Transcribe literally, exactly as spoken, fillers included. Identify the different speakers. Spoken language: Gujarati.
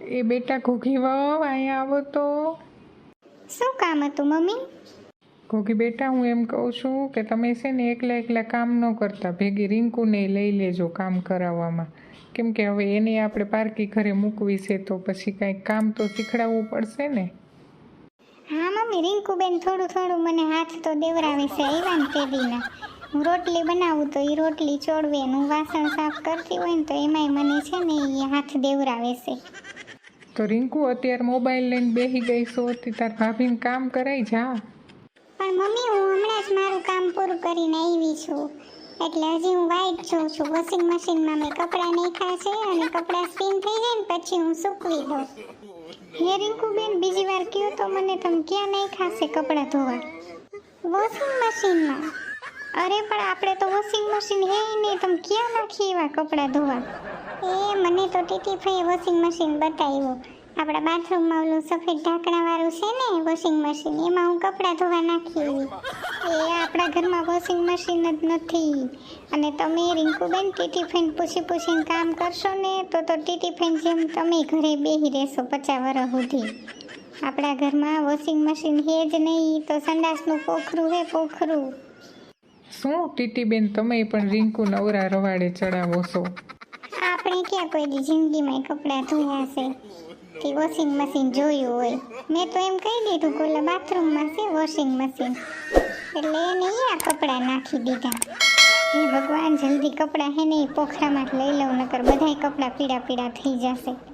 Speaker 1: એ બેટા ઘોઘી વહુ અહીંયા આવો તો.
Speaker 2: શું કામ હતું મમ્મી?
Speaker 1: ઘોઘી બેટા હું એમ કહું છું કે તમે છે ને એકલા એકલા કામ ન કરતા, ભેગી રિંકુને લઈ લેજો કામ કરાવવામાં. કેમ કે હવે એને આપણે પારકી ઘરે મૂકવી છે તો પછી કાંઈક કામ તો શીખડાવવું પડશે ને.
Speaker 2: હા મમ્મી, રિંકુબેન થોડું થોડું મને હાથ તો દેવરાવે છે આવ્યા ને તે દીના. હું રોટલી બનાવું તો એ રોટલી ચોળવે ને હું વાસણ સાફ કરતી હોય ને તો એમાંય મને છે ને એ હાથ દેવરાવે છે.
Speaker 1: તો રિંકુ અત્યારે મોબાઈલ લઈને બેસી ગઈ છો તે તાર ભાભીને કામ કરાઈ જા.
Speaker 2: પણ મમ્મી હું હમણાં જ મારું કામ પૂરું કરીને આવી છું, એટલે હજી હું વાઈટ જોઉં છું. વોશિંગ મશીનમાં મેં કપડાં નાખ્યા છે અને કપડાં સ્પિન થઈ જાય ને પછી હું સૂકવી દઉં. હે રિંકુબેન, બીજી વાર કહો તો મને, તમે ક્યાં નાખ્યા છે કપડાં ધોવા? વોશિંગ મશીનમાં. અરે પણ આપણે તો વોશિંગ મશીન હે નહીં, તમે ક્યાં નાખી એવા કપડાં ધોવા? એ મને તો ટીટીફાઈએ વોશિંગ મશીન બતાવ્યું. આપણા બાથરૂમમાં ઓલું સફેદ ઢાંકણાવાળું છે ને વોશિંગ મશીન, એમાં હું કપડાં ધોવા નાખી એવી. એ આપણા ઘરમાં વોશિંગ મશીન જ નથી. અને તમે રિંકુબેન ટીટીફાઈને પૂછી પૂછીને કામ કરશો ને તો તો ટીટીફાઈન જેમ તમે ઘરે બેસી રહેશો પચાસ વર્ષ સુધી. આપણા ઘરમાં વોશિંગ મશીન હે જ નહીં તો સંડાસનું પોખરું હે પોખરું.
Speaker 1: શું ટીટીબેન તમે પણ રિંકુ નવરા રવાડે ચડાવો છો?
Speaker 2: આપણે ક્યાં કોઈ દી જિંદગીમાં કપડાં ધોયા છે કે વોશિંગ મશીન જોયું હોય? મેં તો એમ કહી દીધું કે ઓલા બાથરૂમમાં છે વોશિંગ મશીન, એટલે એને અહીંયા કપડાં નાખી દીધા. હે ભગવાન, જલ્દી કપડાં હે ને એ પોખરામાં લઈ લઉં, નકર બધાય કપડાં પીળા પીળા થઈ જશે.